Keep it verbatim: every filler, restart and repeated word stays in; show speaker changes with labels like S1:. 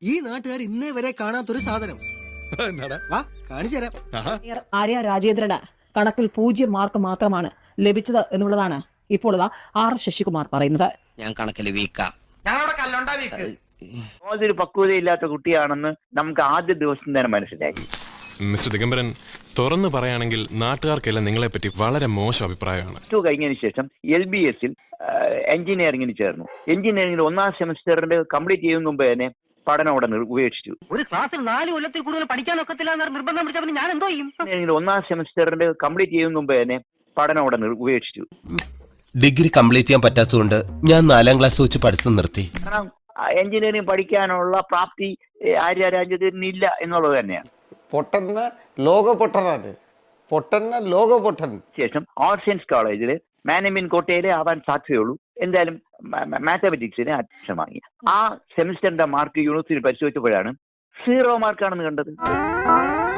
S1: ഈ നാട്ടുകാർ ഇന്നേ വരെ കാണാത്തൊരു സാധനം വാ കാണിച്ചു തരാം.
S2: ആര്യ രാജേന്ദ്രന് കണക്കിൽ പൂജ്യം മാർക്ക് മാത്രമാണ് ലഭിച്ചത് എന്നുള്ളതാണ് ഇപ്പോൾ ആർ ശശികുമാർ പറയുന്നത്.
S3: ഞാൻ കണക്കിൽ വീക്കാ,
S4: ഒരു പക്വതയില്ലാത്ത കുട്ടിയാണെന്ന് നമുക്ക് ആദ്യ ദിവസം തന്നെ മനസ്സിലായി.
S5: മിസ്റ്റർ ദിഗംബരൻ, തുറന്നു പറയുകയാണെങ്കിൽ നാട്ടുകാർക്കെല്ലാം നിങ്ങളെ പറ്റി വളരെ മോശം അഭിപ്രായമാണ്.
S4: ടു കഴിഞ്ഞതിന് ശേഷം എൽ ബി എസിൽ എഞ്ചിനീയറിംഗിന് ചേർന്നു. എഞ്ചിനീയറിംഗിൽ ഒന്നാം സെമസ്റ്ററിന്റെ കംപ്ലീറ്റ് ചെയ്യുന്ന മുമ്പ് തന്നെ പഠനം അവിടെ ഉപേക്ഷിച്ചു.
S3: ഒരു ക്ലാസ്സിൽ നാല് കൊല്ലത്തിൽ കൂടുതൽ പഠിക്കാനൊക്കത്തില്ല എന്ന് നിർബന്ധം പിടിച്ചപ്പോൾ ഞാൻ എന്തോ ചെയ്യും?
S4: എഞ്ചിനീയറിംഗിൽ ഒന്നാം സെമസ്റ്ററിന്റെ കംപ്ലീറ്റ് ചെയ്യുന്ന മുമ്പ് തന്നെ പഠനം അവിടെ ഉപേക്ഷിച്ചു.
S6: ഡിഗ്രി കംപ്ലീറ്റ് ചെയ്യാൻ പറ്റാത്തതുകൊണ്ട് ഞാൻ നാലാം ക്ലാസ് വെച്ച് പഠിത്തം നിർത്തി.
S4: കാരണം എഞ്ചിനീയറിംഗ് പഠിക്കാനുള്ള പ്രാപ്തി ആര്യ രാജേന്ദ്രന് ഇല്ല എന്നുള്ളത് തന്നെയാണ്.
S7: പൊട്ടന്ന ലോക പൊട്ടനാണ്, പൊട്ടന്ന ലോക പൊട്ടൻ.
S4: ശേഷം ആർട്സ് സയൻസ് കോളേജിൽ മാനേജ്മെന്റ് കോട്ടയിലെ ആവാൻ സാധ്യതയുള്ളൂ. എന്തായാലും മാത്തമാറ്റിക്സിന് അഡ്മിഷൻ വാങ്ങി. ആ സെമിസ്റ്ററിന്റെ മാർക്ക് യൂണിവേഴ്സിറ്റി പരിശോധിച്ചപ്പോഴാണ് സീറോ മാർക്കാണെന്ന് കണ്ടത്.